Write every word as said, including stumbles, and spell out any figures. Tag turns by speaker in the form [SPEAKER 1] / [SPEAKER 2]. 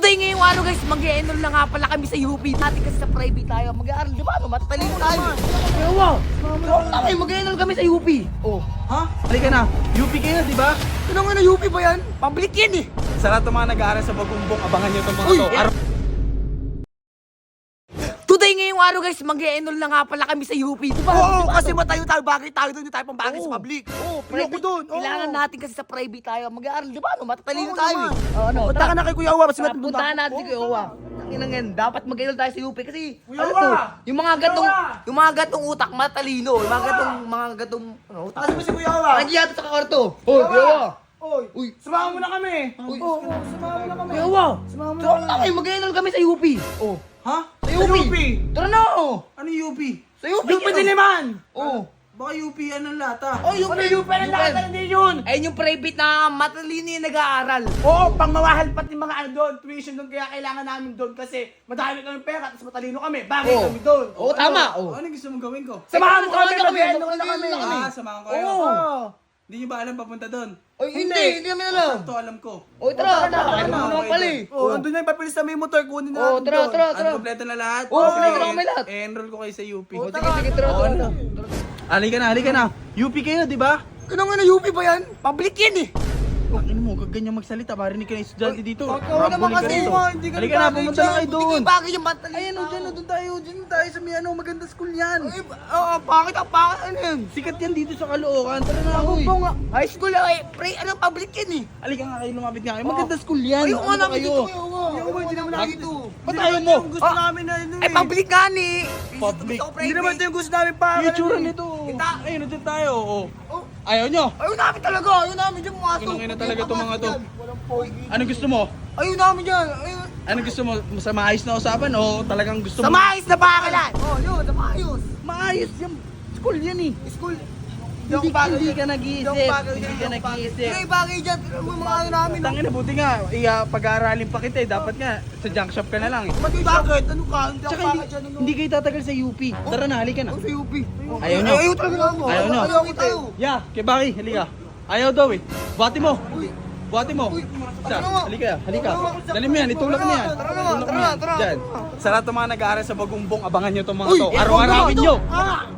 [SPEAKER 1] Today ngayong araw guys, mag-e-enroll na nga pala kami sa U P. Dati kasi sa private tayo, mag-aaral, di ba? No, matatalino tayo. Ewa, okay, mag-e-enroll kami sa U P. Oh,
[SPEAKER 2] Ha? Halika na. U P kayo, di ba?
[SPEAKER 1] ano nga na U P ba yan? Public yan eh.
[SPEAKER 2] Sa lahat ng mga nag-aaral sa Bagumbong, abangan nyo itong mga
[SPEAKER 1] Uy,
[SPEAKER 2] to.
[SPEAKER 1] yan.
[SPEAKER 2] Araw-
[SPEAKER 1] Today ngayong araw guys, mag-e-enroll na nga pala kami sa U P. Diba?
[SPEAKER 3] Oo,
[SPEAKER 1] Diba?
[SPEAKER 3] kasi matayo tayo, bagay tayo doon, hindi tayo pang bagay
[SPEAKER 1] Oo.
[SPEAKER 3] sa public.
[SPEAKER 1] Oo,
[SPEAKER 3] Ayoko
[SPEAKER 1] private
[SPEAKER 3] doon. oo.
[SPEAKER 1] Kailangan natin kasi sa private tayo mag-aaral, di ba? No, matatalino
[SPEAKER 3] Oo
[SPEAKER 1] tayo
[SPEAKER 3] naman.
[SPEAKER 1] eh. Oh, ano,
[SPEAKER 3] Punta
[SPEAKER 1] tara.
[SPEAKER 3] ka na kay Kuya Awa, kasi
[SPEAKER 1] Tara,
[SPEAKER 3] ba't
[SPEAKER 1] puntahan natin si Kuya Owa. Tangina yan, dapat mag-enroll tayo sa U P kasi
[SPEAKER 3] Kuya
[SPEAKER 1] ano
[SPEAKER 3] Owa!
[SPEAKER 1] to, yung mga gatong,
[SPEAKER 3] Kuya Owa!
[SPEAKER 1] yung mga gatong utak matalino, yung mga gatong, mga gatong, ano, utak.
[SPEAKER 3] Kasi ba si Kuya Awa?
[SPEAKER 1] Nandiyan sa kakarto. Oh, Kuya Owa.
[SPEAKER 3] Oy,
[SPEAKER 1] Uy.
[SPEAKER 3] samahan mo na kami.
[SPEAKER 1] Uy.
[SPEAKER 3] Oo, oo, samahan mo na kami.
[SPEAKER 1] Kuya Owa.
[SPEAKER 3] Samahan mo
[SPEAKER 1] So,
[SPEAKER 3] na kami.
[SPEAKER 1] okay, mag-enroll kami sa U P. Oh,
[SPEAKER 3] Ha?
[SPEAKER 1] sa U P. Tara na.
[SPEAKER 3] Ano U P?
[SPEAKER 1] Sa U P.
[SPEAKER 3] U P Diliman!
[SPEAKER 1] Oh.
[SPEAKER 3] Baka U P, anong lata?
[SPEAKER 1] Oh, U P.
[SPEAKER 3] Ano U P? Anong lata? Hindi yun!
[SPEAKER 1] Ayun yung private na matalino yung nag-aaral.
[SPEAKER 3] Oo, pang mawahal pati mga ano doon, tuition doon, kaya kailangan namin doon kasi madami kami pera, tapos matalino kami, bagay
[SPEAKER 1] Oo.
[SPEAKER 3] kami doon.
[SPEAKER 1] Oo, tama, oo.
[SPEAKER 3] Ano gusto mong gawin ko?
[SPEAKER 1] Samahan
[SPEAKER 3] Samahan
[SPEAKER 1] mo
[SPEAKER 3] mo
[SPEAKER 1] kami,
[SPEAKER 3] kami,
[SPEAKER 1] kami,
[SPEAKER 3] mag-enroll
[SPEAKER 1] mag-enroll
[SPEAKER 3] na kami.
[SPEAKER 1] na kami.
[SPEAKER 3] Ah, samahan ko kayo.
[SPEAKER 1] Oo.
[SPEAKER 3] Oo. Hindi nyo ba alam papunta doon?
[SPEAKER 1] Oy, hindi, hindi namin alam.
[SPEAKER 3] Ito alam ko.
[SPEAKER 1] Oy, tara,
[SPEAKER 3] Tara,
[SPEAKER 1] tara,
[SPEAKER 3] tara,
[SPEAKER 1] ano
[SPEAKER 3] tara,
[SPEAKER 1] naman
[SPEAKER 3] okay
[SPEAKER 1] pala
[SPEAKER 3] doon.
[SPEAKER 1] eh.
[SPEAKER 3] Oo, andun na yung papilis na may motor, kunin na
[SPEAKER 1] Oo,
[SPEAKER 3] natin
[SPEAKER 1] tara,
[SPEAKER 3] doon.
[SPEAKER 1] tara, tara.
[SPEAKER 3] Ano, kompleto na lahat?
[SPEAKER 1] Oo, kompleto na kami lahat.
[SPEAKER 3] Eh-enroll ko kayo sa U P.
[SPEAKER 1] Oh, sige, sige, tara,
[SPEAKER 3] Oo,
[SPEAKER 1] tara,
[SPEAKER 3] ano?
[SPEAKER 1] tara.
[SPEAKER 3] Halika na, halika na. U P kayo, di ba?
[SPEAKER 1] Ano nga na U P ba yan? Public yan eh.
[SPEAKER 3] Ano mo, ganyan magsalita, marinig ka na estudyante dito.
[SPEAKER 1] Oo naman
[SPEAKER 3] Rambuling ka
[SPEAKER 1] kasi.
[SPEAKER 3] rito.
[SPEAKER 1] Hindi ka
[SPEAKER 3] Halika na, pumunta na kayo doon.
[SPEAKER 1] Hindi bagay yung matalino.
[SPEAKER 3] Ayan o, dyan o, doon tayo, dyan tayo sa may ano, maganda school yan.
[SPEAKER 1] Ay, oo, bakit ang bakit ano yan?
[SPEAKER 3] Sikat yan dito sa Caloocan, tara na,
[SPEAKER 1] Ako
[SPEAKER 3] uy.
[SPEAKER 1] po nga, high school lang eh. Pre, ano, public yan eh.
[SPEAKER 3] Halika nga kayo, lumapit nga kayo, maganda school yan.
[SPEAKER 1] Ayoko nga
[SPEAKER 3] Ano ba
[SPEAKER 1] namin
[SPEAKER 3] kayo?
[SPEAKER 1] dito, ayoko.
[SPEAKER 3] Ayoko, hindi naman namin dito.
[SPEAKER 1] Ba't
[SPEAKER 3] Hindi
[SPEAKER 1] ayaw
[SPEAKER 3] naman
[SPEAKER 1] mo?
[SPEAKER 3] yung gusto
[SPEAKER 1] Ah,
[SPEAKER 3] namin na ano
[SPEAKER 1] Eh, public nga ni.
[SPEAKER 3] Public.
[SPEAKER 1] Gusto ko
[SPEAKER 3] Hindi
[SPEAKER 1] private.
[SPEAKER 3] naman ito yung gusto namin pa.
[SPEAKER 1] Yung itsura
[SPEAKER 3] nito.
[SPEAKER 1] Kita.
[SPEAKER 3] Ayun, nandiyan tayo. Oh.
[SPEAKER 1] Oh,
[SPEAKER 3] Ayaw nyo?
[SPEAKER 1] ayun namin talaga, ayun namin dyan mga to.
[SPEAKER 3] Kinangina talaga itong mga to.
[SPEAKER 1] Walang pogi.
[SPEAKER 3] Ano gusto mo?
[SPEAKER 1] Ayun namin dyan, ayun.
[SPEAKER 3] Ano gusto mo? Sa maayos na usapan o talagang gusto
[SPEAKER 1] Sa
[SPEAKER 3] mo?
[SPEAKER 1] maayos na bakalan. Oh, yun, sa maayos.
[SPEAKER 3] Maayos yan. School yan eh.
[SPEAKER 1] School.
[SPEAKER 3] Hindi, hindi ka nag-iisip.
[SPEAKER 1] Hindi ako bagay
[SPEAKER 3] Hindi
[SPEAKER 1] dyan,
[SPEAKER 3] ka
[SPEAKER 1] hindi ako bagay.
[SPEAKER 3] nag-iisip.
[SPEAKER 1] Hindi, bagay dyan. Tignan mo yung mga ano namin.
[SPEAKER 3] Tangin na, buti nga. Iya, pag-aaralin pa kita eh. Dapat nga, sa junk shop ka na lang eh.
[SPEAKER 1] Bakit? Bakit? Ano ka? Hindi ako
[SPEAKER 3] Tsaka
[SPEAKER 1] bagay
[SPEAKER 3] hindi,
[SPEAKER 1] dyan. ano?
[SPEAKER 3] hindi kayo tatagal sa U P. Tara na, halika na.
[SPEAKER 1] Ako sa U P.
[SPEAKER 3] Ayaw nyo?
[SPEAKER 1] Ayaw talaga ako.
[SPEAKER 3] Ayaw nyo?
[SPEAKER 1] Ayaw ko tayo.
[SPEAKER 3] Yeah, kay Baki, halika. Ayaw daw eh. Buhati mo. Buhati mo.
[SPEAKER 1] Uy,
[SPEAKER 3] Siya,
[SPEAKER 1] ano nga?
[SPEAKER 3] halika, halika.
[SPEAKER 1] Ano nga?
[SPEAKER 3] Dali mo yan, itulak mo yan.
[SPEAKER 1] Tara na,
[SPEAKER 3] Itulak
[SPEAKER 1] tara
[SPEAKER 3] mo
[SPEAKER 1] na,
[SPEAKER 3] yan.
[SPEAKER 1] tara na.
[SPEAKER 3] Dyan. Sa lahat ng mga nag-aaral sa Bagumbong, abangan nyo itong mga
[SPEAKER 1] Uy,
[SPEAKER 3] to.
[SPEAKER 1] eh,
[SPEAKER 3] Araw-arawin
[SPEAKER 1] ito.
[SPEAKER 3] nyo.
[SPEAKER 1] Ah!